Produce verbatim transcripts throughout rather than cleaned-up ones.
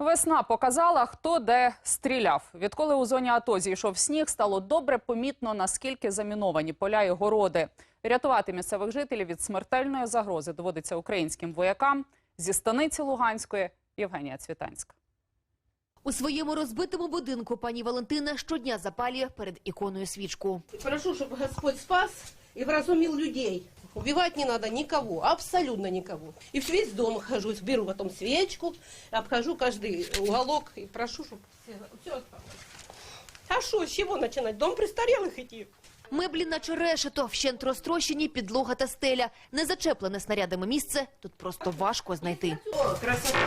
Весна показала, хто де стріляв. Відколи у зоні АТО зійшов сніг, стало добре помітно, наскільки заміновані поля і городи. Рятувати місцевих жителів від смертельної загрози доводиться українським воякам. Зі станиці Луганської Євгенія Цвітанська. У своєму розбитому будинку пані Валентина щодня запалює перед іконою свічку. Прошу, щоб Господь спас і вразумив людей. Убивать не надо никого, абсолютно никого. И в весь дом хожу, беру потом свечку, обхожу каждый уголок и прошу, чтобы все, все осталось. А что, с чего начинать? Дом престарелых идти? Меблі наче решето, вщент розтрощені підлога та стеля. Незачеплене снарядами місце тут просто важко знайти. О, красота.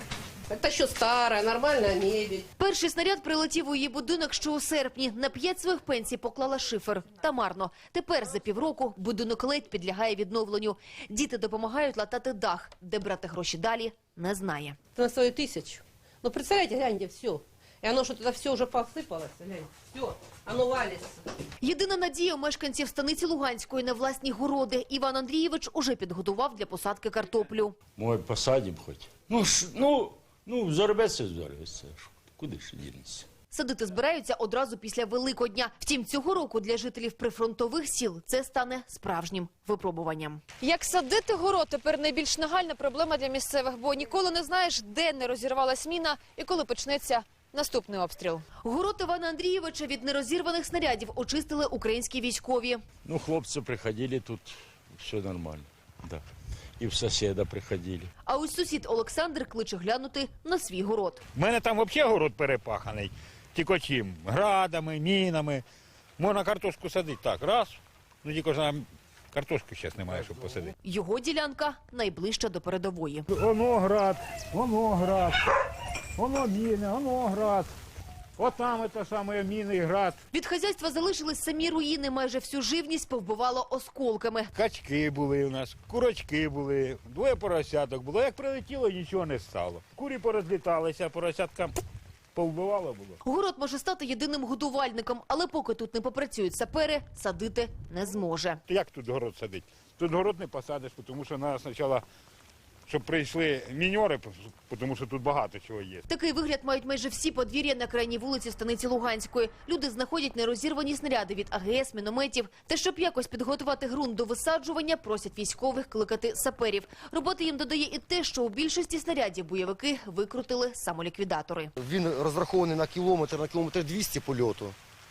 Это еще старая, нормальная мебель. Перший снаряд прилетів у її будинок ще у серпні. На п'ять своїх пенсій поклала шифер. Та марно. Тепер за півроку будинок ледь підлягає відновленню. Діти допомагають латати дах. Де брати гроші далі, не знає. Это на свою тысячу. Ну, представляете, гляньте, все. И оно что-то все уже посыпалось, гляньте. Все, оно валится. Єдина надія у мешканців станиці Луганської на власні городи. Іван Андрійович уже підготував для посадки картоплю. Може, посадимо хоч. Ну, ж, ну, ну, зорветься, зорветься. Куди ж дінеться? Садити збираються одразу після Великодня. Втім, цього року для жителів прифронтових сіл це стане справжнім випробуванням. Як садити город – тепер найбільш нагальна проблема для місцевих, бо ніколи не знаєш, де не розірвалась міна і коли почнеться наступний обстріл. Город Івана Андрійовича від нерозірваних снарядів очистили українські військові. Ну, хлопці приходили, тут все нормально, да. І в сусіда приходили. А ось сусід Олександр кличе глянути на свій город. У мене там взагалі город перепаханий. Тільки чим? Градами, мінами. Можна картошку садити так, раз. Ну тільки ж нам картошки зараз немає, щоб посадити. Його ділянка найближча до передової. Воно град, воно град, воно міни, воно град. От там це саме міни і град. Від хазяйства залишились самі руїни, майже всю живність повбивало осколками. Качки були у нас, курочки були, двоє поросяток було. Як прилетіло, нічого не стало. Курі порозліталися, поросятка повбивало було. Город може стати єдиним годувальником, але поки тут не попрацюють сапери, садити не зможе. Як тут город садити? Тут город не посадиш, тому що треба спочатку, щоб прийшли міньори, тому що тут багато чого є. Такий вигляд мають майже всі подвір'я на крайній вулиці станиці Луганської. Люди знаходять нерозірвані снаряди від А Ге Ес, мінометів. Та щоб якось підготувати ґрунт до висаджування, просять військових кликати саперів. Роботи їм додає і те, що у більшості снарядів бойовики викрутили самоліквідатори. Він розрахований на кілометр, на кілометр двісті польоту,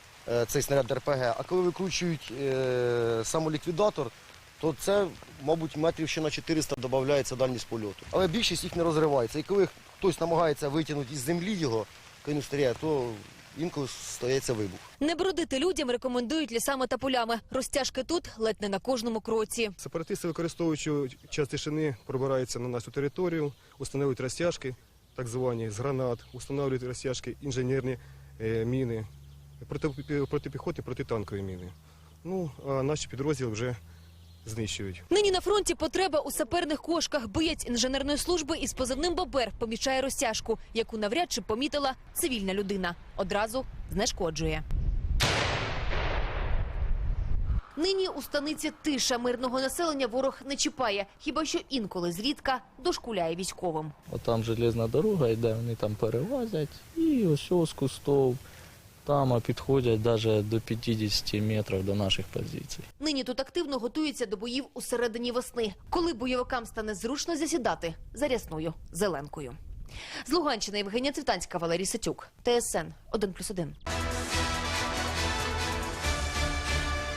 цей снаряд Р Пе Ге. А коли викручують е, самоліквідатор, то це, мабуть, метрів ще на чотириста додається дальність польоту. Але більшість їх не розривається. І коли хтось намагається витягнути із землі його, коли він стріляє, то інколи стається вибух. Не бродити людям рекомендують лісами та полями. Розтяжки тут ледь не на кожному кроці. Сепаратисти, використовуючи час тишини, пробираються на нашу територію, встановлюють розтяжки, так звані, з гранат, встановлюють розтяжки, інженерні е, міни, проти, протипіхотні, протитанкові міни. Ну, а наші підрозділи вже знищують. Нині на фронті потреба у саперних кошках. Боєць інженерної служби із позивним «Бобер» помічає розтяжку, яку навряд чи помітила цивільна людина. Одразу знешкоджує. Нині у станиці тиша. Мирного населення ворог не чіпає. Хіба що інколи зрідка дошкуляє військовим. От там железна дорога йде, вони там перевозять. І ось ось з кустов. Там підходять навіть до п'ятдесят метрів до наших позицій. Нині тут активно готуються до боїв у середині весни, коли бойовикам стане зручно засідати за рясною зеленкою. З Луганщини Євгенія Цвітанська, Валерій Ситюк, Те Ес Ен один плюс один.